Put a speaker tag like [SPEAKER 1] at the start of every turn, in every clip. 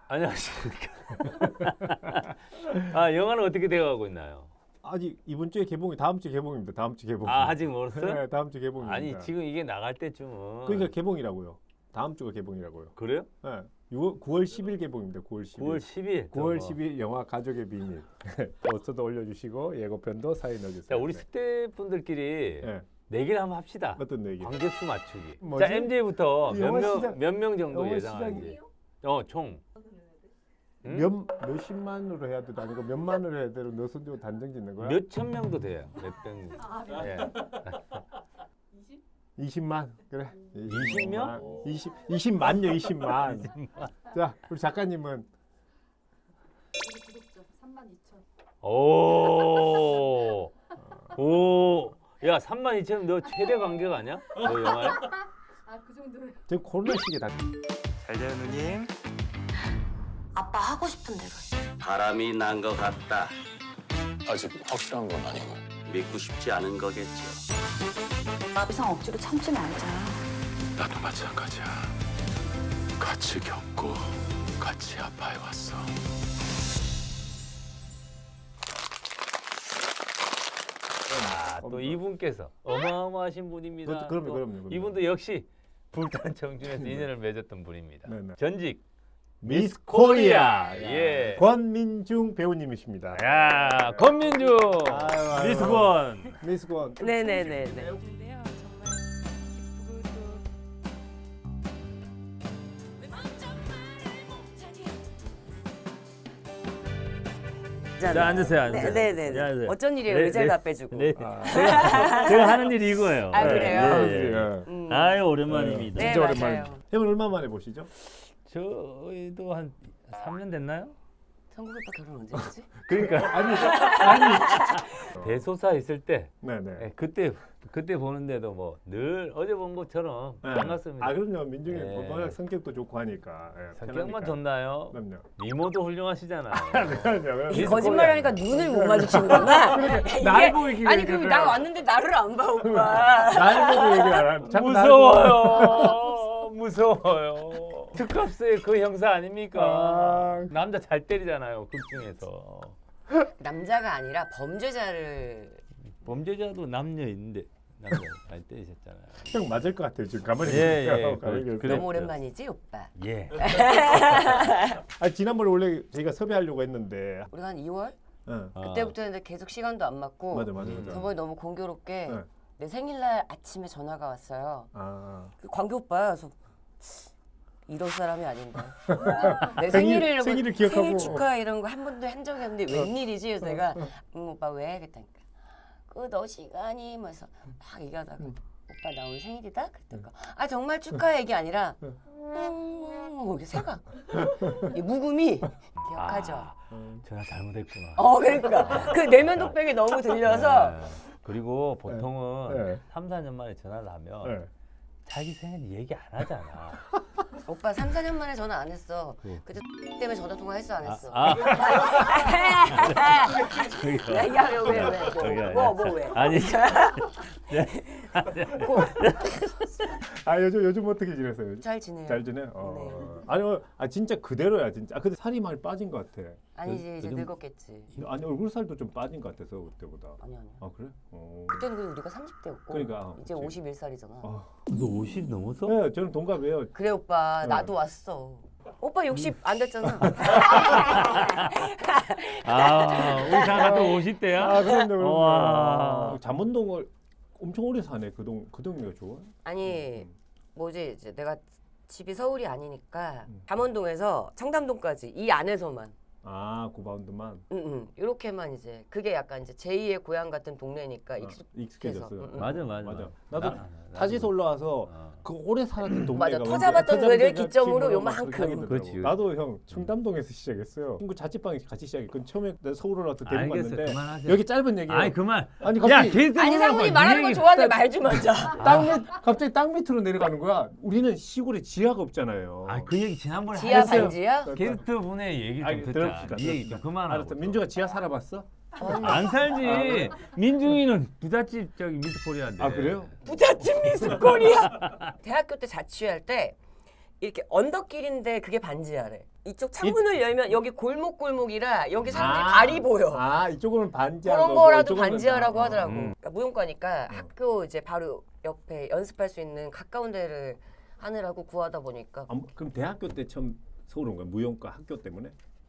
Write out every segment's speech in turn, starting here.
[SPEAKER 1] 안녕하십니까. 아, 영화는 어떻게 되어가고 있나요?
[SPEAKER 2] 아직 이번 주에 개봉이 다음 주 개봉입니다. 다음 주 개봉.
[SPEAKER 1] 아, 아직 멀었어요?
[SPEAKER 2] 네, 다음 주 개봉입니다.
[SPEAKER 1] 아니, 지금 이게 나갈 때쯤은.
[SPEAKER 2] 그러니까 개봉이라고요. 다음 주가 개봉이라고요.
[SPEAKER 1] 그래요?
[SPEAKER 2] 네. 9월 10일 개봉입니다. 9월 10일.
[SPEAKER 1] 9월 10일.
[SPEAKER 2] 9월 10일 영화 가족의 비밀. 포스터도 올려주시고 예고편도 사인 넣어주세요.
[SPEAKER 1] 자, 우리 스태프분들끼리
[SPEAKER 2] 네.
[SPEAKER 1] 내기를 한번 합시다.
[SPEAKER 2] 어떤 얘기?
[SPEAKER 1] 관객수 맞추기.
[SPEAKER 2] 뭐지?
[SPEAKER 1] 자, MJ부터
[SPEAKER 2] 영화 시작-
[SPEAKER 1] 몇 명 정도
[SPEAKER 2] 영화
[SPEAKER 1] 예상하는지. 총. 응?
[SPEAKER 2] 몇십만으로 해야 돼도 아니고 몇만으로 해야 돼도 너 손주고 단정 짓는 거야?
[SPEAKER 1] 몇천 명도 돼요. 몇백. 예.
[SPEAKER 2] 20만 그래.
[SPEAKER 1] 20명?
[SPEAKER 2] 20만요 20만. 자 우리 작가님은
[SPEAKER 3] 우리 구독자 32,000.
[SPEAKER 1] 오. 오. 야, 32,000 너 최대 관객 아니야? 너 영화에?
[SPEAKER 3] 아, 그 정도요.
[SPEAKER 2] 지금 코로나 시기에 다
[SPEAKER 4] 잘 돼요 누님.
[SPEAKER 5] 아빠 하고 싶은 대로 해.
[SPEAKER 6] 바람이 난 것 같다.
[SPEAKER 7] 아직 확실한 건 아니고.
[SPEAKER 6] 믿고 싶지 않은 거겠죠.
[SPEAKER 5] 아비상 억지로 참지 말자.
[SPEAKER 7] 나도 마찬가지야. 같이 겪고 같이 아파해 왔어.
[SPEAKER 1] 아, 또 이분께서 어마어마하신 분입니다. 또
[SPEAKER 2] 그럼요.
[SPEAKER 1] 이분도 역시 불타는 청춘에서 인연을 맺었던 분입니다.
[SPEAKER 2] 네네.
[SPEAKER 1] 전직
[SPEAKER 2] 미스 코리아
[SPEAKER 1] 예.
[SPEAKER 2] 권민중 배우님이십니다.
[SPEAKER 1] 야, 권민주
[SPEAKER 2] 아유.
[SPEAKER 1] 미스권.
[SPEAKER 2] 미스 권.
[SPEAKER 8] 네네네네.
[SPEAKER 3] 근데요, 정말 기쁘고 또
[SPEAKER 1] 자, 앉으세요, 앉으세요.
[SPEAKER 8] 네네네.
[SPEAKER 1] 앉으세요.
[SPEAKER 8] 어쩐 일이에요?
[SPEAKER 1] 네,
[SPEAKER 8] 의자를
[SPEAKER 1] 네.
[SPEAKER 8] 다 빼주고.
[SPEAKER 1] 네.
[SPEAKER 2] 아,
[SPEAKER 1] 제가 하는 일이 이거예요.
[SPEAKER 8] 아, 그래요?
[SPEAKER 1] 예. 아유, 오랜만입니다.
[SPEAKER 8] 네,
[SPEAKER 2] 진짜
[SPEAKER 8] 맞아요.
[SPEAKER 2] 오랜만에. 형은 얼마 만에 보시죠?
[SPEAKER 1] 저희도 한 3년 됐나요?
[SPEAKER 8] 성국 오빠 결혼 언제 했지?
[SPEAKER 1] 그러니까
[SPEAKER 2] 아니.
[SPEAKER 1] 대소사 있을 때
[SPEAKER 2] 네네.
[SPEAKER 1] 예, 그때 보는데도 뭐 늘 어제 본 것처럼
[SPEAKER 2] 네.
[SPEAKER 1] 반갑습니다.
[SPEAKER 2] 아 그럼요. 민중이
[SPEAKER 1] 네.
[SPEAKER 2] 워낙 성격도 좋고 하니까. 예,
[SPEAKER 1] 성격만
[SPEAKER 2] 편하니까.
[SPEAKER 1] 좋나요?
[SPEAKER 2] 그럼요.
[SPEAKER 1] 미모도 훌륭하시잖아요.
[SPEAKER 2] 그럼요.
[SPEAKER 8] 이 거짓말하니까 눈을 못 마주치는구나.
[SPEAKER 2] 날 보고 얘기해.
[SPEAKER 8] 아니 그럼 나 왔는데 나를 안 봐 오빠.
[SPEAKER 2] 날 보고 얘기 안 하는. 자꾸 날 보고.
[SPEAKER 1] 무서워요. 무서워요. 특급스의 그 형사 아닙니까?
[SPEAKER 2] 아.
[SPEAKER 1] 남자 잘 때리잖아요. 극 중에서.
[SPEAKER 8] 남자가 아니라 범죄자를.
[SPEAKER 1] 범죄자도 남녀 있는데 남자 잘 때리셨잖아요.
[SPEAKER 2] 형 맞을 것 같아요. 지금 가만히
[SPEAKER 1] 예,
[SPEAKER 2] 보세요.
[SPEAKER 1] 예.
[SPEAKER 2] 가만히 보세요.
[SPEAKER 1] 그래.
[SPEAKER 8] 너무 오랜만이지 오빠.
[SPEAKER 1] 예.
[SPEAKER 2] 아 지난번에 원래 저희가 섭외하려고 했는데.
[SPEAKER 8] 우리가 한 2월
[SPEAKER 2] 응.
[SPEAKER 8] 그때부터 이제 계속 시간도 안 맞고.
[SPEAKER 2] 맞아.
[SPEAKER 8] 저번에 너무 공교롭게
[SPEAKER 2] 네.
[SPEAKER 8] 내 생일날 아침에 전화가 왔어요.
[SPEAKER 2] 아.
[SPEAKER 8] 그 광교 오빠야. 그래서 이럴 사람이 아닌데. 내
[SPEAKER 2] 생일을
[SPEAKER 8] 생일을
[SPEAKER 2] 기억하고.
[SPEAKER 8] 생일 축하 이런 거 한 번도 한 적이 없는데 웬일이지? 그래서 내가 오빠 왜? 그랬다니까. 그 너 시간이 뭐 해서 막 얘기하다가 오빠 나 오늘 생일이다? 그랬다니까 아 정말 축하 얘기 아니라 이게 새가 이 묵음이 기억하죠?
[SPEAKER 1] 전화 잘못했구나.
[SPEAKER 8] 그러니까 그 내면 독백이 너무 들려서
[SPEAKER 1] 네. 그리고 보통은
[SPEAKER 2] 네.
[SPEAKER 1] 3, 4년 만에 전화를 하면
[SPEAKER 2] 네.
[SPEAKER 1] 자기 생일 얘기 안 하잖아.
[SPEAKER 8] 오빠 3, 4년 만에 전화 안 했어.
[SPEAKER 1] 네.
[SPEAKER 8] 그때 때문에 전화 통화했어 안 했어? 야, 왜? 뭐 왜?
[SPEAKER 1] 아니.
[SPEAKER 2] 아 요즘 어떻게 지내세요?
[SPEAKER 8] 잘 지내요.
[SPEAKER 2] 잘 지내?
[SPEAKER 8] 네.
[SPEAKER 2] 아니 진짜 그대로야 진짜. 아 근데 살이 많이 빠진 것 같아.
[SPEAKER 8] 아니지 이제
[SPEAKER 2] 요즘-
[SPEAKER 8] 늙었겠지.
[SPEAKER 2] 아니 얼굴 살도 좀 빠진 것 같아서 그때보다.
[SPEAKER 8] 아니야.
[SPEAKER 2] 아 그래? 어.
[SPEAKER 8] 그때는 그래도 우리가 30대였고
[SPEAKER 2] 그러니까,
[SPEAKER 8] 이제
[SPEAKER 2] 그치.
[SPEAKER 8] 51살이잖아.
[SPEAKER 1] 너 50 넘었어?
[SPEAKER 2] 네, 저는 동갑이에요.
[SPEAKER 8] 그래 오빠
[SPEAKER 2] 네.
[SPEAKER 8] 나도 왔어. 오빠 60 안 됐잖아.
[SPEAKER 1] 아, 우리 장가도 50대야?
[SPEAKER 2] 아 그럼요.
[SPEAKER 1] 와.
[SPEAKER 2] 잠원동을 엄청 오래 사네. 그 동네가 좋아?
[SPEAKER 8] 아니 뭐지 이제 내가 집이 서울이 아니니까 잠원동에서 청담동까지 이 안에서만
[SPEAKER 2] 아 9바운드만
[SPEAKER 8] 이렇게만 이제 그게 약간 이제 제2의 고향 같은 동네니까
[SPEAKER 2] 익숙해졌어.
[SPEAKER 1] 맞아.
[SPEAKER 2] 나도 타지에서 올라와서 그 오래 살았던 동네가
[SPEAKER 8] 맞아. 터잡았던 노래를 기점으로 요만큼.
[SPEAKER 1] 그렇지.
[SPEAKER 2] 나도 형 청담동에서 시작했어요. 친구 자취방 같이 시작했고 처음에 내가 서울 올라와서 데리고
[SPEAKER 1] 알겠어.
[SPEAKER 2] 갔는데
[SPEAKER 1] 그만하세요.
[SPEAKER 2] 여기 짧은 얘기예요.
[SPEAKER 1] 아니 그만.
[SPEAKER 2] 아니
[SPEAKER 1] 야,
[SPEAKER 2] 갑자기
[SPEAKER 1] 걔들
[SPEAKER 8] 아니 상훈이 말하는 거 좋아하는데 말 좀 하자.
[SPEAKER 2] 갑자기 땅 밑으로 내려가는 거야. 우리는 시골에 지하가 없잖아요.
[SPEAKER 1] 아, 그 얘기 지난번에
[SPEAKER 8] 지하
[SPEAKER 1] 했어요.
[SPEAKER 8] 반지야?
[SPEAKER 1] 게스트 분의 얘기 좀
[SPEAKER 2] 아니,
[SPEAKER 1] 듣자.
[SPEAKER 2] 들읍시다,
[SPEAKER 1] 이 얘기 좀 그만하고.
[SPEAKER 2] 알았어. 민주가 지하 살아봤어?
[SPEAKER 1] 안 살지. 민중이는 부잣집 저기 미스코리아인데.
[SPEAKER 2] 아 그래요?
[SPEAKER 8] 부잣집 미스코리아. 대학교 때 자취할 때 이렇게 언덕길인데 그게 반지하래. 이쪽 창문을 열면 여기 골목골목이라 여기 사람들이
[SPEAKER 2] 아.
[SPEAKER 8] 발이 보여.
[SPEAKER 2] 아 이쪽은 반지하
[SPEAKER 8] 그런
[SPEAKER 2] 거고,
[SPEAKER 8] 거라도
[SPEAKER 2] 이쪽은
[SPEAKER 8] 반지하라고
[SPEAKER 2] 아,
[SPEAKER 8] 하더라고.
[SPEAKER 1] 음.
[SPEAKER 8] 그러니까 무용과니까 학교 이제 바로 옆에 연습할 수 있는 가까운 데를 하느라고 구하다 보니까
[SPEAKER 2] 아, 그럼 대학교 때 처음 서울 온 거야? 무용과 학교 때문에?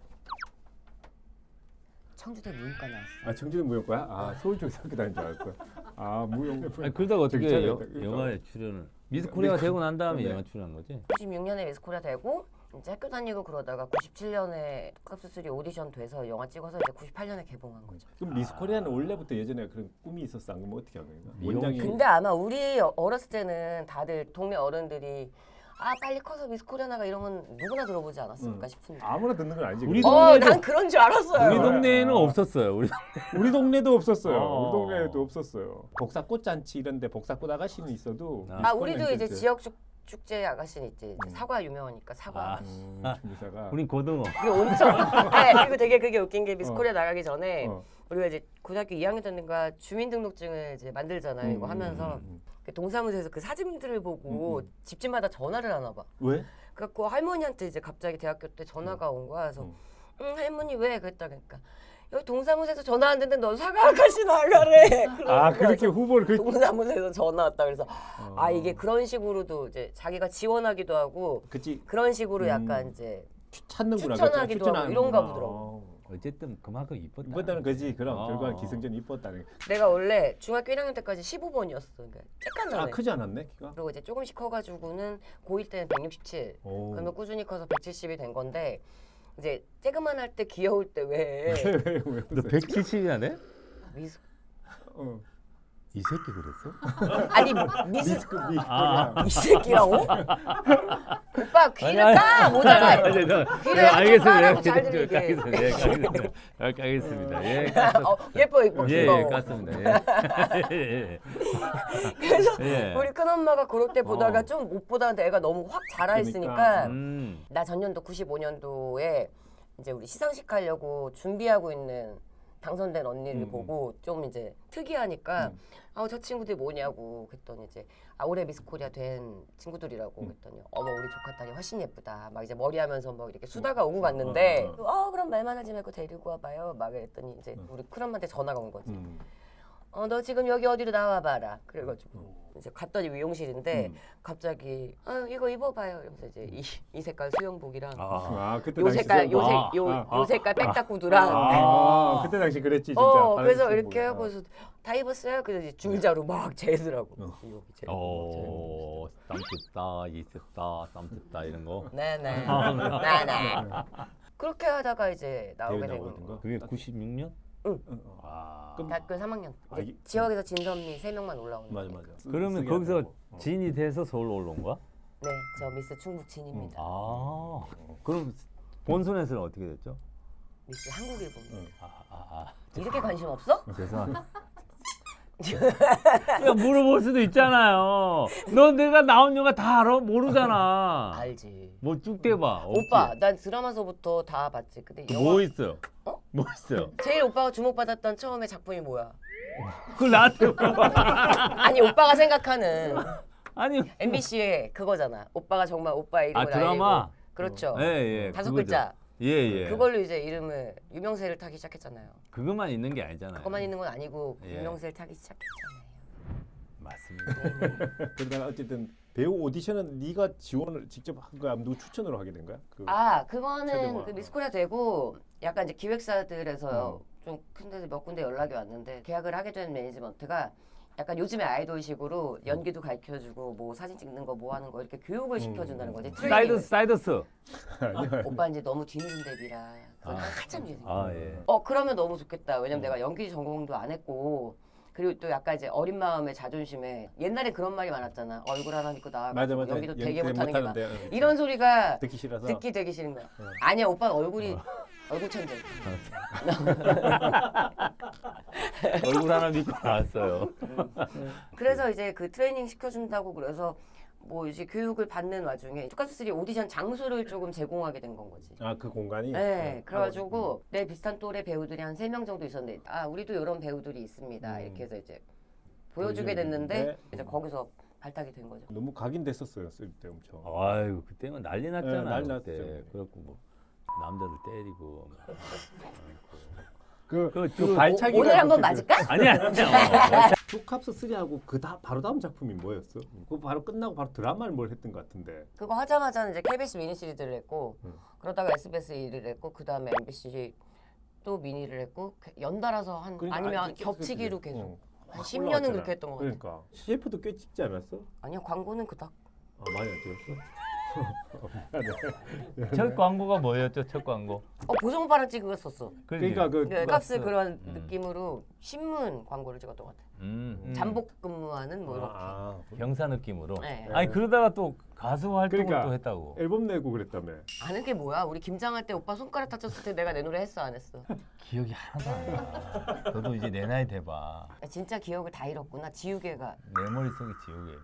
[SPEAKER 8] 청주대 무용과 나왔어.
[SPEAKER 2] 아 청주대 무용과야? 아 서울 쪽에서 학교 다닌 줄 알았어. 아 무용.
[SPEAKER 1] 아니, 그러다가 어떻게
[SPEAKER 2] 저기
[SPEAKER 1] 영화에 출연을 미스 코리아가 되고 난 다음에
[SPEAKER 2] 네.
[SPEAKER 1] 영화 출연한 거지?
[SPEAKER 8] 96년에 미스코리아 되고 이제 학교 다니고 그러다가 97년에 컵스3 오디션 돼서 영화 찍어서 이제 98년에 개봉한 거죠.
[SPEAKER 2] 그럼 미스 코리아는 원래부터 예전에 그런 꿈이 있었어? 안 그러면 어떻게 한 거야?
[SPEAKER 1] 미용-
[SPEAKER 2] 원장이
[SPEAKER 8] 근데 아마 우리 어렸을 때는 다들 동네 어른들이 아 빨리 커서 미스코리아 나가 이러면 누구나 들어보지 않았을까 싶은데.
[SPEAKER 2] 아무나 듣는 건 아니지.
[SPEAKER 1] 우리
[SPEAKER 2] 그거.
[SPEAKER 1] 동네도-
[SPEAKER 8] 난 그런 줄 알았어요.
[SPEAKER 1] 우리 동네에는
[SPEAKER 2] 아.
[SPEAKER 1] 없었어요.
[SPEAKER 2] 우리 동네도 없었어요.
[SPEAKER 1] 어.
[SPEAKER 2] 우리 동네에도 없었어요. 복사꽃 잔치 이런데 복사꽃 아가씨는 있어도.
[SPEAKER 1] 아,
[SPEAKER 8] 아
[SPEAKER 2] 미스
[SPEAKER 8] 우리도
[SPEAKER 2] 코리아는
[SPEAKER 8] 이제
[SPEAKER 2] 있었지.
[SPEAKER 8] 지역 축제 아가씨는 있지.
[SPEAKER 2] 음.
[SPEAKER 8] 사과 유명하니까 사과.
[SPEAKER 1] 아.
[SPEAKER 2] 중사가.
[SPEAKER 1] 우린 고등어.
[SPEAKER 8] 그리고 온천. 네, 그리고 되게 그게 웃긴 게 미스코리아 나가기 전에
[SPEAKER 2] 어.
[SPEAKER 8] 우리가 이제 고등학교 2학년 때인가 주민등록증을 이제 만들잖아요. 이거 하면서 그 동사무소에서 그 사진들을 보고 집집마다 전화를 하나 봐.
[SPEAKER 2] 왜?
[SPEAKER 8] 그래갖고 할머니한테 이제 갑자기 대학교 때 전화가 온 거야. 그래서 할머니 왜? 그랬다 그러니까 여기 동사무소에서 전화 왔는데 너 사과 아가씨 나가래.
[SPEAKER 2] 아 그렇게 후보를 그.
[SPEAKER 8] 동사무소에서 전화 왔다 그래서 아 이게 그런 식으로도 이제 자기가 지원하기도 하고
[SPEAKER 2] 그치
[SPEAKER 8] 그런 식으로 약간 이제
[SPEAKER 2] 찾는구나.
[SPEAKER 8] 추천하기도
[SPEAKER 2] 그렇죠?
[SPEAKER 8] 하고 이런가
[SPEAKER 2] 추천하는구나.
[SPEAKER 8] 보더라고.
[SPEAKER 1] 어쨌든 그만큼 이뻤다.
[SPEAKER 2] 이뻤다는 거지. 그럼
[SPEAKER 1] 어.
[SPEAKER 2] 결과는 기승전이 이뻤다는.
[SPEAKER 8] 내가 원래 중학교 1학년 때까지 15번이었어. 그러니까 쬐깐
[SPEAKER 2] 아
[SPEAKER 8] 나네.
[SPEAKER 2] 크지 않았네 키가?
[SPEAKER 8] 그리고 이제 조금씩 커가지고는 고1 때는 167.
[SPEAKER 2] 오.
[SPEAKER 8] 그러면 꾸준히 커서 170이 된 건데 이제 쬐그만 할 때 귀여울 때 왜
[SPEAKER 2] 왜?
[SPEAKER 1] 너 170이나 돼?
[SPEAKER 8] 미스
[SPEAKER 2] 어.
[SPEAKER 1] 이 새끼 그랬어?
[SPEAKER 8] 아니 미스
[SPEAKER 2] 미스크 미.
[SPEAKER 1] 아.
[SPEAKER 8] 이 새끼라고? 오빠 귀를
[SPEAKER 1] 아니,
[SPEAKER 8] 까 모자가 귀를 한쪽 까라고 잘 들리게.
[SPEAKER 1] 알겠습니다. 예, 깠습니다.
[SPEAKER 8] 예뻐 예뻐
[SPEAKER 1] 예,
[SPEAKER 8] 귀여워.
[SPEAKER 1] 예, 깠습니다. 예.
[SPEAKER 8] 그래서
[SPEAKER 1] 예.
[SPEAKER 8] 우리 큰엄마가 그럴 때 보다가
[SPEAKER 1] 어.
[SPEAKER 8] 좀 못 보다가 애가 너무 확 자라
[SPEAKER 2] 그러니까.
[SPEAKER 8] 있으니까 나 전년도 95년도에 이제 우리 시상식 하려고 준비하고 있는 당선된 언니를 보고 좀 이제 특이하니까 저 친구들이 뭐냐고 그랬더니 이제 올해 미스코리아 된 친구들이라고 그랬더니 어머 우리 조카딸이 훨씬 예쁘다 막 이제 머리하면서 막 이렇게 수다가 오고 갔는데 그럼 말만 하지 말고 데리고 와봐요 막 그랬더니 이제 우리 큰엄마한테 전화가 온 거지. 너 지금 여기 어디로 나와봐라. 그래가지고 이제 갔더니 미용실인데 갑자기 이거 입어봐요. 이러면서 이제 이 색깔 수영복이랑
[SPEAKER 2] 아 그때
[SPEAKER 8] 요
[SPEAKER 2] 당시
[SPEAKER 8] 색깔
[SPEAKER 2] 수영복.
[SPEAKER 8] 요 색깔 백탁 구두랑
[SPEAKER 2] 그때 당시 그랬지 진짜. 파란
[SPEAKER 8] 그래서
[SPEAKER 2] 수영복.
[SPEAKER 8] 이렇게 하고서 다 입었어요. 그래서 이제 줄자로 막 재더라고. 여기 재고,
[SPEAKER 1] 오, 땀 뜯다, 이 뜯다, 땀 뜯다 이런 거.
[SPEAKER 8] 네네. 네네. 그렇게 하다가 이제 나오게 된
[SPEAKER 2] 나오거든
[SPEAKER 8] 거.
[SPEAKER 2] 거.
[SPEAKER 1] 그게 96년?
[SPEAKER 2] 아.
[SPEAKER 8] 대학교 3학년.
[SPEAKER 2] 아,
[SPEAKER 8] 이제 지역에서 진선미 3명만 올라오는
[SPEAKER 2] 맞아
[SPEAKER 8] 거.
[SPEAKER 2] 맞아.
[SPEAKER 1] 그러면
[SPEAKER 2] 쓰게
[SPEAKER 1] 거기서
[SPEAKER 2] 하고.
[SPEAKER 1] 진이 돼서 서울 올라온 거야?
[SPEAKER 8] 네, 저 미스 충북 진입니다.
[SPEAKER 1] 아, 그럼 본선에서는 어떻게 됐죠?
[SPEAKER 8] 미스 한국일보.
[SPEAKER 1] 아,
[SPEAKER 8] 이렇게 관심 없어?
[SPEAKER 1] 죄송합니다. 야, 물어볼 수도 있잖아요. 너 내가 나온 영화 다 알아? 모르잖아.
[SPEAKER 8] 알지.
[SPEAKER 1] 뭐 쭉 대봐.
[SPEAKER 8] 오빠, 난 드라마서부터 다 봤지. 근데
[SPEAKER 1] 뭐 있어요?
[SPEAKER 8] 어?
[SPEAKER 1] 뭐 있어요?
[SPEAKER 8] 제일 오빠가 주목받았던 처음에 작품이 뭐야?
[SPEAKER 1] 그걸 나한테 물어봐.
[SPEAKER 8] 아니 오빠가 생각하는
[SPEAKER 1] 아니.
[SPEAKER 8] MBC의 그거잖아. 오빠가 정말 오빠의 이름을
[SPEAKER 1] 드라마?
[SPEAKER 8] 알리고. 그렇죠.
[SPEAKER 1] 예, 예.
[SPEAKER 8] 다섯
[SPEAKER 1] 그거죠.
[SPEAKER 8] 글자.
[SPEAKER 1] 예, 예.
[SPEAKER 8] 그걸로 이제 이름을 유명세를 타기 시작했잖아요.
[SPEAKER 1] 그것만 있는 게 아니잖아요.
[SPEAKER 8] 그것만 있는 건 아니고
[SPEAKER 1] 예.
[SPEAKER 8] 유명세를 타기 시작했잖아요.
[SPEAKER 1] 맞습니다.
[SPEAKER 2] 그러다가 어쨌든 배우 오디션은 네가 지원을 직접 한 거야? 누구 추천으로 하게 된 거야?
[SPEAKER 8] 그거는
[SPEAKER 2] 최대화.
[SPEAKER 8] 그 미스코리아 되고 약간 이제 기획사들에서 좀 큰 데서 몇 군데 연락이 왔는데 계약을 하게 된 매니지먼트가 약간 요즘의 아이돌식으로 연기도 가르쳐주고 뭐 사진 찍는 거 뭐 하는 거 이렇게 교육을 시켜준다는 거지. 트레이닝을.
[SPEAKER 1] 사이더스.
[SPEAKER 8] 오빠 이제 너무 뒤늦은 데뷔라 그건 한참 뒤에.
[SPEAKER 1] 아, 예.
[SPEAKER 8] 그러면 너무 좋겠다. 왜냐면 내가 연기 전공도 안 했고 그리고 또 약간 이제 어린 마음에 자존심에 옛날에 그런 말이 많았잖아. 얼굴 하나 믿고 나와가지고
[SPEAKER 2] 맞아.
[SPEAKER 8] 연기도 되게
[SPEAKER 2] 연기
[SPEAKER 8] 못하는 게 많아.
[SPEAKER 2] 못하는데,
[SPEAKER 8] 이런 소리가
[SPEAKER 2] 듣기 싫어서.
[SPEAKER 8] 듣기 되게 싫은 거야. 아니야 오빠 얼굴이 얼굴 천재.
[SPEAKER 1] 얼굴 하나 믿고 나왔어요.
[SPEAKER 8] 그래서 이제 그 트레이닝 시켜준다고 그래서 뭐 이제 교육을 받는 와중에 투카스3 오디션 장소를 조금 제공하게 된 건 거지.
[SPEAKER 2] 그 공간이.
[SPEAKER 8] 네, 그래가지고 내 비슷한 또래 배우들이 한 3명 정도 있었는데 우리도 이런 배우들이 있습니다. 이렇게 해서 이제 보여주게 됐는데 이제 거기서 발탁이 된 거죠.
[SPEAKER 2] 너무 각인됐었어요 쓸 때 엄청.
[SPEAKER 1] 아이고 그때는 난리 났잖아.
[SPEAKER 2] 네, 난리
[SPEAKER 1] 그때.
[SPEAKER 2] 났죠.
[SPEAKER 1] 그렇고 뭐 남자들 때리고.
[SPEAKER 2] 그 발차기가
[SPEAKER 8] 오늘 한번
[SPEAKER 2] 그렇게
[SPEAKER 8] 맞을까?
[SPEAKER 1] 아니 아니야.
[SPEAKER 2] 투캅스 3하고 바로 다음 작품이 뭐였어? 그 바로 끝나고 바로 드라마를 뭘 했던 것 같은데.
[SPEAKER 8] 그거 하자마자 이제 KBS 미니 시리즈를 했고
[SPEAKER 2] 응.
[SPEAKER 8] 그러다가 SBS 1을 했고 그 다음에 MBC 또 미니를 했고 연달아서 한
[SPEAKER 2] 그러니까
[SPEAKER 8] 아니면
[SPEAKER 2] 아니,
[SPEAKER 8] 겹치기로
[SPEAKER 2] 그치.
[SPEAKER 8] 계속 한
[SPEAKER 2] 확
[SPEAKER 8] 10년은
[SPEAKER 2] 올라갔잖아.
[SPEAKER 8] 그렇게 했던 것 같아.
[SPEAKER 2] 그러니까 CF도 꽤 찍지 않았어?
[SPEAKER 8] 아니요 광고는 그닥.
[SPEAKER 2] 아 많이 안 찍었어?
[SPEAKER 1] 첫 광고가 뭐였죠? 첫 광고.
[SPEAKER 8] 보성 오빠랑 찍었었어.
[SPEAKER 2] 그러니까 그
[SPEAKER 8] 그 값스 그런
[SPEAKER 1] 음.
[SPEAKER 8] 느낌으로 신문 광고를 찍었던 것 같아. 잠복 근무하는 뭐 이렇게.
[SPEAKER 1] 병사 느낌으로.
[SPEAKER 8] 네.
[SPEAKER 1] 아니 그러다가 또 가수 활동을
[SPEAKER 2] 그러니까.
[SPEAKER 1] 또 했다고.
[SPEAKER 2] 앨범 내고 그랬다며.
[SPEAKER 8] 아는 게 뭐야? 우리 김장할 때 오빠 손가락 다쳤을 때 내가 내 노래 했어 안 했어?
[SPEAKER 1] 기억이 하나도 안 나. 너도 이제 내 나이 돼봐.
[SPEAKER 8] 진짜 기억을 다 잃었구나. 지우개가.
[SPEAKER 1] 내 머릿속이 지옥이에요.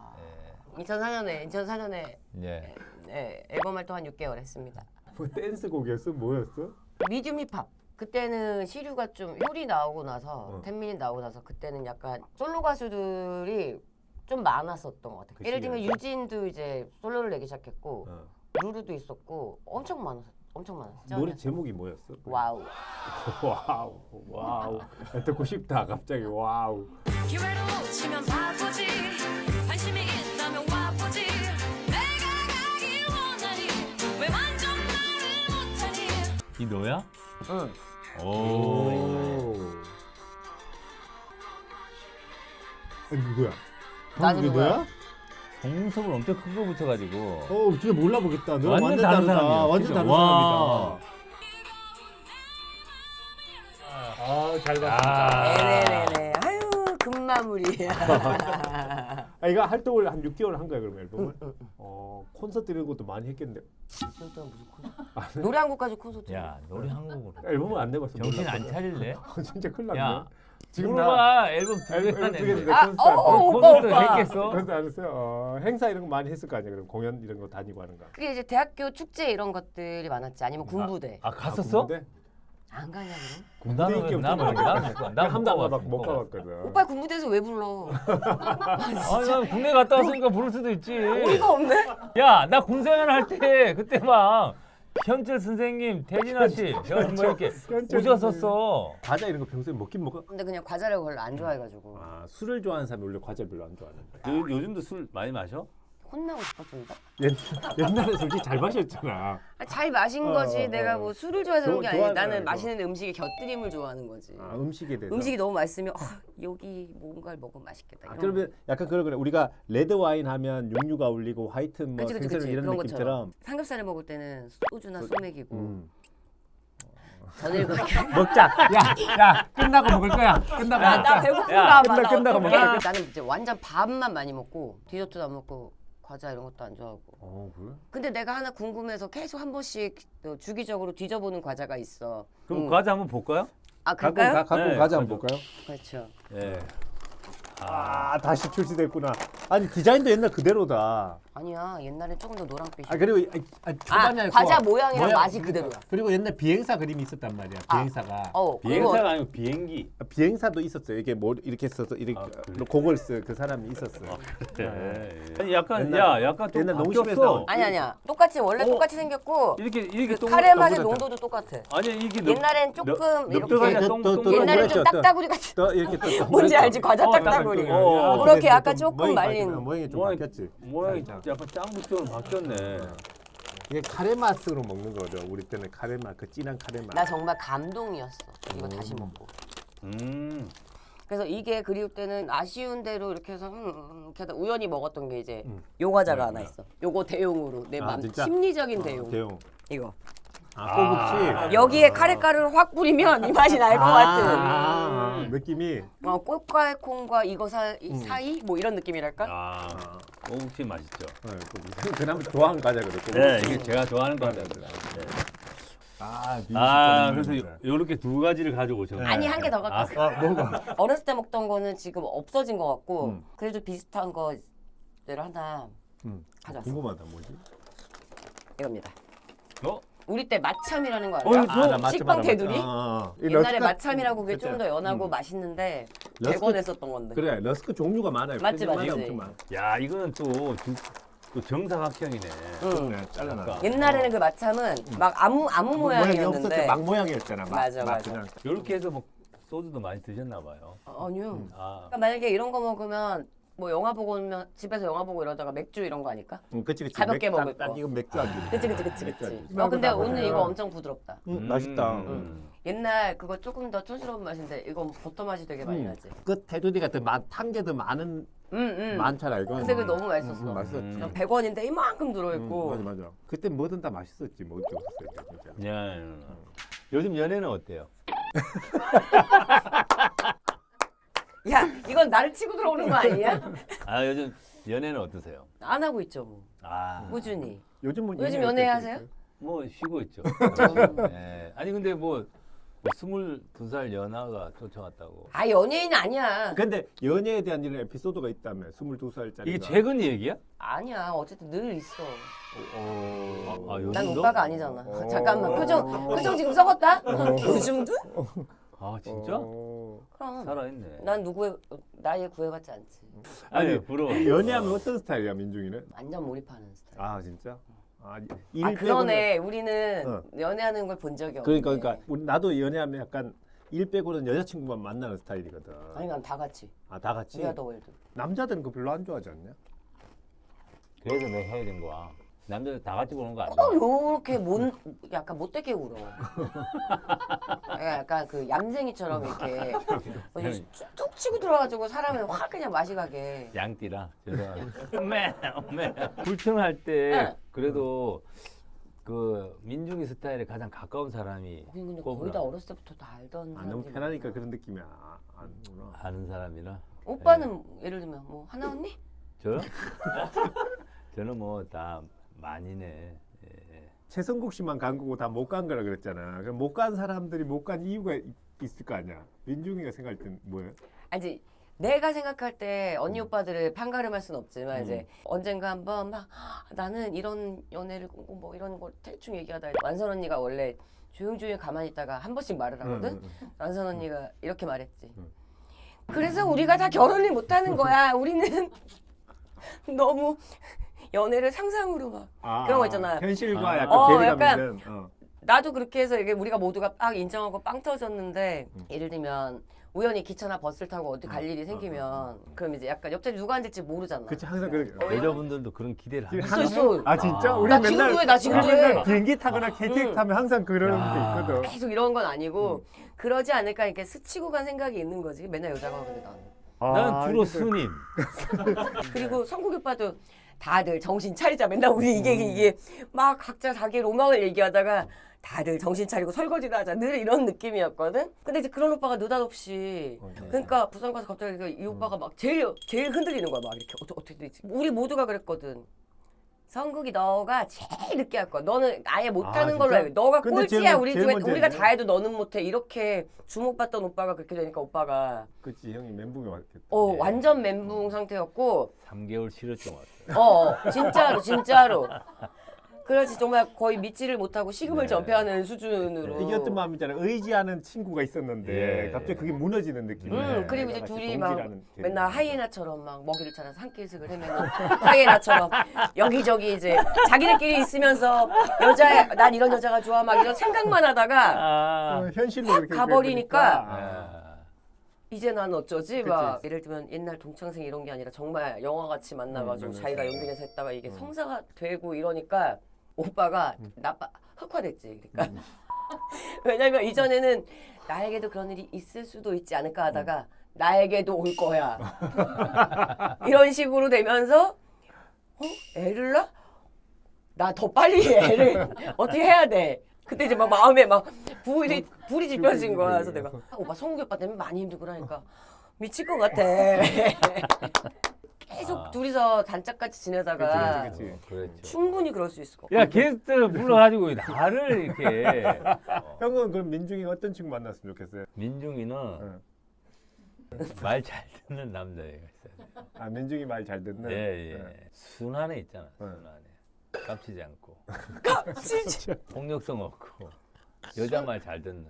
[SPEAKER 8] 2004년에
[SPEAKER 1] 예.
[SPEAKER 8] 앨범 활동 한 6개월 했습니다.
[SPEAKER 2] 뭐 댄스 곡이었어? 뭐였어?
[SPEAKER 8] 미디움 힙합. 그때는 시류가 좀 효리 나오고 나서 텐민이 나오고 나서 그때는 약간 솔로 가수들이 좀 많았었던 것 같아요.
[SPEAKER 2] 그
[SPEAKER 8] 예를 들면
[SPEAKER 2] 시기에.
[SPEAKER 8] 유진도 이제 솔로를 내기 시작했고
[SPEAKER 2] 어.
[SPEAKER 8] 루루도 있었고 엄청 많았어.
[SPEAKER 2] 노래 제목이 뭐였어?
[SPEAKER 8] 와우.
[SPEAKER 2] 와우 와우 듣고 싶다 갑자기 와우.
[SPEAKER 9] 기회로 치면 바보지 관심이 있다면 와보지 내가 가길 원하니 왜 완전 말을 못하니
[SPEAKER 1] 이 너야?
[SPEAKER 8] 응.
[SPEAKER 1] 오.
[SPEAKER 2] 아니 누구야?
[SPEAKER 8] 나는
[SPEAKER 2] 이게
[SPEAKER 8] 누구야?
[SPEAKER 2] 너야?
[SPEAKER 1] 속눈썹을 엄청 큰 거 붙여가지고.
[SPEAKER 2] 진짜 몰라보겠다. 너
[SPEAKER 1] 완전
[SPEAKER 2] 완전
[SPEAKER 1] 다른
[SPEAKER 2] 다르다.
[SPEAKER 1] 사람이야,
[SPEAKER 2] 완전
[SPEAKER 1] 진짜.
[SPEAKER 2] 다른
[SPEAKER 1] 와.
[SPEAKER 2] 사람이다. 잘
[SPEAKER 8] 네네네. 아유 금마무리야.
[SPEAKER 2] 이거 활동을 한 6개월 한 거야 그럼 앨범을? 콘서트 이런 것도 많이 했겠는데
[SPEAKER 8] 진짜 무슨 콘서트? 노래 한 곡까지 콘서트.
[SPEAKER 1] 야 노래 한 곡으로.
[SPEAKER 2] 앨범을 안 내봤어.
[SPEAKER 1] 정신 안 차릴래?
[SPEAKER 2] 진짜 큰일 났네.
[SPEAKER 1] 야
[SPEAKER 2] 지금
[SPEAKER 1] 물어봐 앨범 두
[SPEAKER 2] 앨범
[SPEAKER 1] 개나
[SPEAKER 2] 두 개인데
[SPEAKER 1] 냈는데.
[SPEAKER 2] 콘서트 안 돼.
[SPEAKER 1] 콘서트
[SPEAKER 8] 오빠.
[SPEAKER 1] 했겠어?
[SPEAKER 2] 콘서트 안 했어요. 행사 이런 거 많이 했을 거 아니야 그럼 공연 이런 거 다니고 하는 거.
[SPEAKER 8] 그게 이제 대학교 축제 이런 것들이 많았지. 아니면 군부대.
[SPEAKER 1] 아 갔었어?
[SPEAKER 8] 안 가냐 그럼?
[SPEAKER 1] 나는 왜 나는
[SPEAKER 2] 한도 안 가봤고 못 가봤거든.
[SPEAKER 8] 오빠 군부대에서 왜 불러?
[SPEAKER 1] 아니 난 국내 갔다 왔으니까 부를 수도 있지.
[SPEAKER 8] 어이가 없네.
[SPEAKER 1] 야 나 군생활 할 때 그때 막 현철 선생님, 태진아 씨, 뭐 이렇게 오셨었어.
[SPEAKER 2] 과자 이런 거 평소에 먹긴 먹어.
[SPEAKER 8] 근데 그냥 과자를 별로 안 좋아해가지고
[SPEAKER 2] 술을 좋아하는 사람이 원래 과자 별로 안 좋아하는데.
[SPEAKER 1] 요즘도 술 많이 마셔?
[SPEAKER 8] 혼나고 싶었습니다.
[SPEAKER 2] 옛날에 솔직히 잘 마셨잖아.
[SPEAKER 8] 잘 마신 거지. 내가 뭐 술을 좋아해서 그런 게 아니고
[SPEAKER 2] 좋아하잖아,
[SPEAKER 8] 나는
[SPEAKER 2] 이거.
[SPEAKER 8] 마시는 음식의 곁들임을 좋아하는 거지.
[SPEAKER 2] 음식에 대해서.
[SPEAKER 8] 음식이 너무 맛있으면 여기 뭔가를 먹으면 맛있겠다. 이런
[SPEAKER 2] 그러면 약간 그런 거네. 우리가 레드 와인 하면 육류가 울리고 화이트 뭐
[SPEAKER 8] 그치, 그치,
[SPEAKER 2] 생선
[SPEAKER 8] 그치.
[SPEAKER 2] 이런
[SPEAKER 8] 그런
[SPEAKER 2] 느낌처럼.
[SPEAKER 8] 것처럼 삼겹살을 먹을 때는 소주나 소맥이고 전을
[SPEAKER 2] 먹자. 야 끝나고 먹을 거야. 끝나고
[SPEAKER 8] 나 배고픈가 봐.
[SPEAKER 2] 끝나고 먹자.
[SPEAKER 8] 나는 이제 완전 밥만 많이 먹고 디저트도 안 먹고 과자 이런 것도 안 좋아하고.
[SPEAKER 2] 그래?
[SPEAKER 8] 근데 내가 하나 궁금해서 계속 한 번씩 또 주기적으로 뒤져보는 과자가 있어.
[SPEAKER 1] 그럼 과자 한번 볼까요?
[SPEAKER 8] 아 그럴까요?
[SPEAKER 2] 갖고
[SPEAKER 1] 네,
[SPEAKER 2] 과자 한번 볼까요?
[SPEAKER 8] 그렇죠.
[SPEAKER 1] 예.
[SPEAKER 2] 다시 출시됐구나. 아니 디자인도 옛날 그대로다.
[SPEAKER 8] 아니야 옛날엔 조금 더 노랑빛이.
[SPEAKER 2] 그리고 초반에
[SPEAKER 8] 과자 모양이랑 맛이 그대로야.
[SPEAKER 2] 그리고 옛날 비행사 그림이 있었단 말이야. 비행사가.
[SPEAKER 1] 비행사가 아니고 비행기.
[SPEAKER 2] 비행사도 있었어요. 이게 뭐 이렇게 써서 이렇게
[SPEAKER 1] 그래?
[SPEAKER 2] 곡을 쓴 그 사람이 있었어요.
[SPEAKER 1] 아니 약간
[SPEAKER 2] 옛날-
[SPEAKER 1] 약간 좀
[SPEAKER 2] 옛날 농심에서
[SPEAKER 1] 바뀌었어.
[SPEAKER 2] 나온-
[SPEAKER 8] 아니야 똑같이 원래 똑같이 생겼고
[SPEAKER 1] 이렇게 똥
[SPEAKER 8] 카레 맛의
[SPEAKER 2] 똑같아.
[SPEAKER 8] 농도도 똑같아.
[SPEAKER 1] 아니 이게
[SPEAKER 8] 옛날엔 조금 이렇게
[SPEAKER 1] 넉넉하게 똥
[SPEAKER 8] 옛날엔 좀
[SPEAKER 2] 그랬죠.
[SPEAKER 8] 딱따구리 같이
[SPEAKER 2] 또 이렇게 또
[SPEAKER 8] 뭔지 알지? 과자 딱따구리. 그렇게 약간 조금 말린.
[SPEAKER 2] 모양이 좀
[SPEAKER 1] 모양이-
[SPEAKER 2] 바뀌었지.
[SPEAKER 1] 모양이 약간 짱구처럼 바뀌었네.
[SPEAKER 2] 이게 카레 맛으로 먹는 거죠. 우리 때는 카레 맛, 그 진한 카레 맛.
[SPEAKER 8] 나 정말 감동이었어. 이거 다시 먹고. 그래서 이게 그리울 때는 아쉬운 대로 이렇게 해서 이렇게 하다 우연히 먹었던 게 이제 요 과자가 하나 있어. 요거 대용으로 내 맘
[SPEAKER 2] 진짜?
[SPEAKER 8] 심리적인 대용.
[SPEAKER 2] 대용.
[SPEAKER 8] 이거.
[SPEAKER 2] 꼬북치.
[SPEAKER 8] 여기에 카레가루를 확 뿌리면 이 맛이 날 것 같은.
[SPEAKER 2] 느낌이.
[SPEAKER 8] 꽃과 콩과 이거 사이 뭐 이런 느낌이랄까?
[SPEAKER 1] 꼬북치 맛있죠.
[SPEAKER 2] 그나마 좋아하는 과자거든.
[SPEAKER 1] 네, 이게 제가 좋아하는 과자입니다. 그래서 요렇게 두 가지를 가지고 오셨네요.
[SPEAKER 8] 아니 한 개 더 갖고 왔어.
[SPEAKER 2] 뭐가?
[SPEAKER 8] 어렸을 때 먹던 거는 지금 없어진 것 같고 그래도 비슷한 거를 하나 가져왔어.
[SPEAKER 2] 궁금하다 뭐지?
[SPEAKER 8] 이겁니다.
[SPEAKER 1] 어?
[SPEAKER 8] 우리 때 마참이라는 거
[SPEAKER 1] 나
[SPEAKER 8] 알아요?
[SPEAKER 1] 마참
[SPEAKER 8] 식빵 테두리?
[SPEAKER 2] 러스크-
[SPEAKER 8] 옛날에 마참이라고 그게 좀 더 연하고
[SPEAKER 2] 음.
[SPEAKER 8] 맛있는데
[SPEAKER 2] 러스크-
[SPEAKER 8] 100원 했었던 건데.
[SPEAKER 2] 그래 러스크 종류가 많아요.
[SPEAKER 8] 맞지,
[SPEAKER 2] 편의점마다
[SPEAKER 8] 맞지.
[SPEAKER 2] 엄청 많아.
[SPEAKER 1] 야 이거는 또 또 정사각형이네.
[SPEAKER 8] 응.
[SPEAKER 2] 네, 잘라놔.
[SPEAKER 1] 그러니까.
[SPEAKER 8] 옛날에는 그 마참은 막 아무 모양이었는데.
[SPEAKER 2] 없었죠. 막 모양이었잖아. 막,
[SPEAKER 8] 맞아,
[SPEAKER 2] 막
[SPEAKER 8] 맞아.
[SPEAKER 2] 그냥.
[SPEAKER 1] 이렇게 해서 뭐 소주도 많이 드셨나 봐요.
[SPEAKER 8] 아니요.
[SPEAKER 1] 아,
[SPEAKER 8] 그러니까 만약에 이런 거 먹으면 뭐 영화 보고 오면 집에서 영화 보고 이러다가 맥주 이런 거 아닐까?
[SPEAKER 2] 그치.
[SPEAKER 8] 가볍게 먹을
[SPEAKER 2] 딱
[SPEAKER 8] 거.
[SPEAKER 2] 이거 맥주 안주.
[SPEAKER 8] 그치. 근데 오늘 이거 엄청 부드럽다.
[SPEAKER 2] 맛있다.
[SPEAKER 8] 옛날 그거 조금 더 촌스러운 맛인데 이건 버터 맛이 되게 많이 나지.
[SPEAKER 2] 그 테두리가 탄 게 더 많은 많잖아 이거.
[SPEAKER 8] 근데 그게 너무 맛있었어.
[SPEAKER 2] 맛있었지.
[SPEAKER 8] 그냥 100원인데 이만큼 들어있고.
[SPEAKER 2] 맞아. 그때 뭐든 다 맛있었지. 뭐 어쩔 수 없었어 진짜.
[SPEAKER 1] 야, 요즘 연애는 어때요?
[SPEAKER 8] 야 이건 나를 치고 들어오는 거 아니야?
[SPEAKER 1] 아, 요즘 연애는 어떠세요?
[SPEAKER 8] 안 하고 있죠 뭐.
[SPEAKER 1] 아,
[SPEAKER 8] 꾸준히.
[SPEAKER 2] 요즘 뭐
[SPEAKER 8] 요즘 연애하세요?
[SPEAKER 1] 뭐 쉬고 있죠. 예. 아니 근데 뭐 22살 연하가 쫓아왔다고.
[SPEAKER 8] 아 연예인 아니야.
[SPEAKER 2] 근데 연애에 대한 이런 에피소드가 있다며 22살짜리.
[SPEAKER 1] 이게 최근 얘기야?
[SPEAKER 8] 아니야 어쨌든 늘 있어.
[SPEAKER 1] 요즘도?
[SPEAKER 8] 난 오빠가 아니잖아. 잠깐만 표정 지금 썩었다? 요즘도?
[SPEAKER 1] 아 진짜?
[SPEAKER 8] 그럼.
[SPEAKER 1] 살아있네.
[SPEAKER 8] 난 누구의 나이에 구애받지 않지.
[SPEAKER 1] 아니 부러워.
[SPEAKER 2] 연애하면 어떤 스타일이야 민중이는?
[SPEAKER 8] 완전 몰입하는 스타일.
[SPEAKER 2] 아 진짜?
[SPEAKER 8] 아
[SPEAKER 2] 일
[SPEAKER 8] 그러네. 우리는
[SPEAKER 2] 어.
[SPEAKER 8] 연애하는 걸 본 적이 없네.
[SPEAKER 2] 그러니까 나도 연애하면 약간 일 빼고는 여자친구만 만나는 스타일이거든.
[SPEAKER 8] 아니 난 다 같이.
[SPEAKER 2] 아 다 같이?
[SPEAKER 8] 위아 더 월드.
[SPEAKER 2] 남자들은 그거 별로 안 좋아하지 않냐?
[SPEAKER 1] 그래서 내가 해야 된 거야. 남자들 다 같이 보는 거 아니야?
[SPEAKER 8] 꼭 요렇게 약간 못되게 울어. 약간 그 얌생이처럼 이렇게 툭 치고 들어가지고 사람을 확 그냥 맛이 가게.
[SPEAKER 1] 양띠라 죄송합니다. 엄매 불평할 때
[SPEAKER 8] 응.
[SPEAKER 1] 그래도 그 민중이 스타일에 가장 가까운 사람이
[SPEAKER 8] 근데 거의
[SPEAKER 1] 꼽으라.
[SPEAKER 8] 다 어렸을 때부터 다 알던
[SPEAKER 2] 아 너무
[SPEAKER 8] 사람들이
[SPEAKER 2] 편하니까
[SPEAKER 8] 많아.
[SPEAKER 2] 그런 느낌이 아는구나.
[SPEAKER 1] 아는 사람이라.
[SPEAKER 8] 오빠는 예를 들면 뭐 하나 언니?
[SPEAKER 1] 저요? 저는 뭐 다 많이네. 예.
[SPEAKER 2] 최성국 씨만 간 거고 다 못 간 거라 그랬잖아. 그럼 못 간 사람들이 못 간 이유가 있을 거 아니야. 민중이가 생각할 땐 뭐예요?
[SPEAKER 8] 아니 내가 생각할 때 언니 오빠들을 판가름할 수는 없지만 이제 언젠가 한번 막 나는 이런 연애를 꾸고 뭐 이런 걸 대충 얘기하다 완선 언니가 원래 조용조용히 가만히 있다가 한 번씩 말을 하거든. 완선 언니가 이렇게 말했지. 그래서 우리가 다 결혼을 못하는 거야. 우리는 너무 연애를 상상으로 막 그런 거 있잖아.
[SPEAKER 2] 현실과 약간
[SPEAKER 8] 어,
[SPEAKER 2] 괴리감
[SPEAKER 8] 약간
[SPEAKER 2] 있는.
[SPEAKER 8] 나도 그렇게 해서 이게 우리가 모두가 빡 인정하고 빵 터졌는데 예를 들면 우연히 기차나 버스를 타고 어디 갈 일이 생기면 그럼 이제 약간 옆자리 누가 앉을지 모르잖아.
[SPEAKER 2] 그치 항상 그렇게.
[SPEAKER 1] 여자분들도 그런 기대를 하는
[SPEAKER 8] 있어 있어.
[SPEAKER 2] 아 진짜? 우리
[SPEAKER 8] 나 지금도 해, 나 지금도 해.
[SPEAKER 2] 비행기 타거나 KTX 타면 항상 그런 게 있거든.
[SPEAKER 8] 계속 이런 건 아니고 그러지 않을까 이렇게 스치고 간 생각이 있는 거지. 맨날 여자가 근데 나는.
[SPEAKER 1] 난 주로
[SPEAKER 2] 근데
[SPEAKER 1] 스님.
[SPEAKER 8] 그리고 성국이 오빠도 다들 정신 차리자. 맨날 우리 이게 막 각자 자기 로망을 얘기하다가 다들 정신 차리고 설거지나 하자. 늘 이런 느낌이었거든. 근데 이제 그런 오빠가 느닷없이 그러니까 부산 가서 갑자기 이 오빠가 막 제일 흔들리는 거야. 막 이렇게 어떻게 되지? 우리 모두가 그랬거든. 성국이 너가 제일 늦게 할 거야. 너는 아예 못하는 걸로
[SPEAKER 2] 진짜?
[SPEAKER 8] 알고. 너가
[SPEAKER 2] 근데
[SPEAKER 8] 꼴찌야. 우리
[SPEAKER 2] 제일
[SPEAKER 8] 중에
[SPEAKER 2] 먼저
[SPEAKER 8] 우리가
[SPEAKER 2] 했네.
[SPEAKER 8] 다 해도 너는 못해. 이렇게 주목받던 오빠가 그렇게 되니까 오빠가
[SPEAKER 2] 그치 형이 멘붕이 왔겠다.
[SPEAKER 8] 완전 멘붕 상태였고
[SPEAKER 1] 3개월 실었던 것 같아요.
[SPEAKER 8] 진짜로. 그렇지 정말 거의 믿지를 못하고 식음을 전폐하는 수준으로.
[SPEAKER 2] 이게 어떤 마음이잖아. 의지하는 친구가 있었는데
[SPEAKER 1] 예.
[SPEAKER 2] 갑자기 그게 무너지는 느낌.
[SPEAKER 8] 그리고 이제 둘이 막 맨날 하이에나처럼 막 먹이를 찾아서 산길슥을 헤매는 하이에나처럼 여기저기 이제 자기들끼리 있으면서 난 이런 여자가 좋아 막 이런 생각만 하다가
[SPEAKER 2] 현실로 이렇게
[SPEAKER 8] 가버리니까 이제 난 어쩌지? 막 예를 들면 옛날 동창생 이런 게 아니라 정말 영화같이 만나가지고 자기가 연기해서 했다가 이게 성사가 되고 이러니까 오빠가 흑화됐지. 그러니까 왜냐면 이전에는 나에게도 그런 일이 있을 수도 있지 않을까 하다가 나에게도 올 거야. 이런 식으로 되면서 애를 낳아? 나 더 빨리 애를 어떻게 해야 돼? 그때 이제 막 마음에 막 불이 지펴진 거야. 그래서 내가 오빠 성욱이 오빠 때문에 많이 힘들고 그러니까 미칠 것 같아. 계속 둘이서 단짝같이 지내다가
[SPEAKER 2] 그치.
[SPEAKER 1] 그렇죠.
[SPEAKER 8] 충분히 그럴 수 있을 것
[SPEAKER 1] 야 게스트 불러가지고 나를 이렇게
[SPEAKER 2] 형은 그럼 민중이가 어떤 친구 만났으면 좋겠어요?
[SPEAKER 1] 민중이는 말 잘 듣는 남자애가 있어요.
[SPEAKER 2] 아 민중이 말 잘 듣는.
[SPEAKER 1] 예. 순한 애 있잖아. 순한 애. 깝치지 않고.
[SPEAKER 8] 깝치지.
[SPEAKER 1] 폭력성 없고 여자 말 잘 듣는.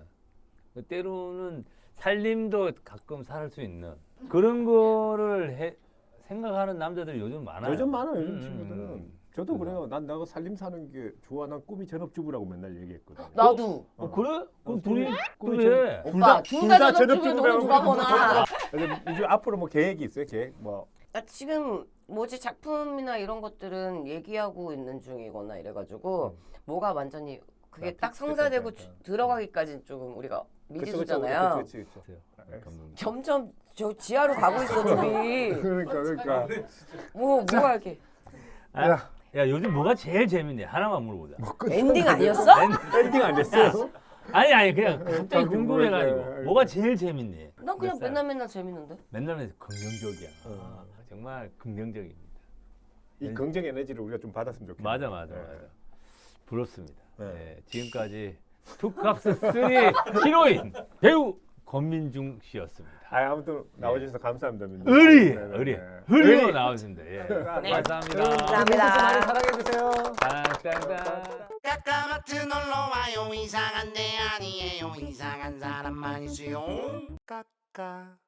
[SPEAKER 1] 때로는 살림도 가끔 살 수 있는 그런 거를 생각하는 남자들이 요즘 많아요.
[SPEAKER 2] 요즘 많아 요즘 친구들은. 저도 그래요. 난 내가 살림 사는 게 좋아. 난 꿈이 전업주부라고 맨날 얘기했거든.
[SPEAKER 8] 나도.
[SPEAKER 1] 그래? 그럼 둘이
[SPEAKER 2] 꿈이
[SPEAKER 1] 또 해.
[SPEAKER 8] 오빠 둘 다 전업주부면
[SPEAKER 2] 전업주부라고
[SPEAKER 8] 너는 누가 보나.
[SPEAKER 2] 이제 앞으로 뭐 계획이 있어요? 계획 뭐
[SPEAKER 8] 나 지금 뭐지 작품이나 이런 것들은 얘기하고 있는 중이거나 이래가지고 뭐가 완전히 그게 딱 성사되고 들어가기까지는 조금 우리가 미지수잖아요.
[SPEAKER 2] 그렇지.
[SPEAKER 1] 감독님.
[SPEAKER 8] 점점 저 지하로 가고 있어 둘이.
[SPEAKER 2] 그러니까.
[SPEAKER 8] 뭐가 이렇게
[SPEAKER 1] 야 요즘 뭐가 제일 재밌니? 하나만 물어보자.
[SPEAKER 8] 엔딩 아니었어?
[SPEAKER 2] 엔딩 안 됐어요?
[SPEAKER 1] 아니 그냥 갑자기
[SPEAKER 2] 뭐,
[SPEAKER 1] 궁금해가지고 뭐가 제일 재밌니?
[SPEAKER 8] 난 그냥
[SPEAKER 1] 몇 살?
[SPEAKER 8] 맨날 재밌는데.
[SPEAKER 1] 맨날 긍정적이야. 정말 긍정적입니다.
[SPEAKER 2] 이 긍정 에너지를 우리가 좀 받았으면 좋겠네.
[SPEAKER 1] 맞아.
[SPEAKER 2] 네.
[SPEAKER 1] 부럽습니다.
[SPEAKER 2] 네.
[SPEAKER 1] 네, 지금까지 투캅스 3 히로인 배우 권민중 씨였습니다.
[SPEAKER 2] 아무튼 나와주셔서 감사합니다. 민주.
[SPEAKER 1] 의리
[SPEAKER 2] 네.
[SPEAKER 1] 의리로 나오신다. 예.
[SPEAKER 8] 네.
[SPEAKER 1] 감사합니다.
[SPEAKER 8] 감사합니다.
[SPEAKER 2] 많이 사랑해주세요.
[SPEAKER 1] 짠짠짠.
[SPEAKER 6] 까까마트 놀러와요. 이상한 데 아니에요. 이상한 사람만 있어요. 까까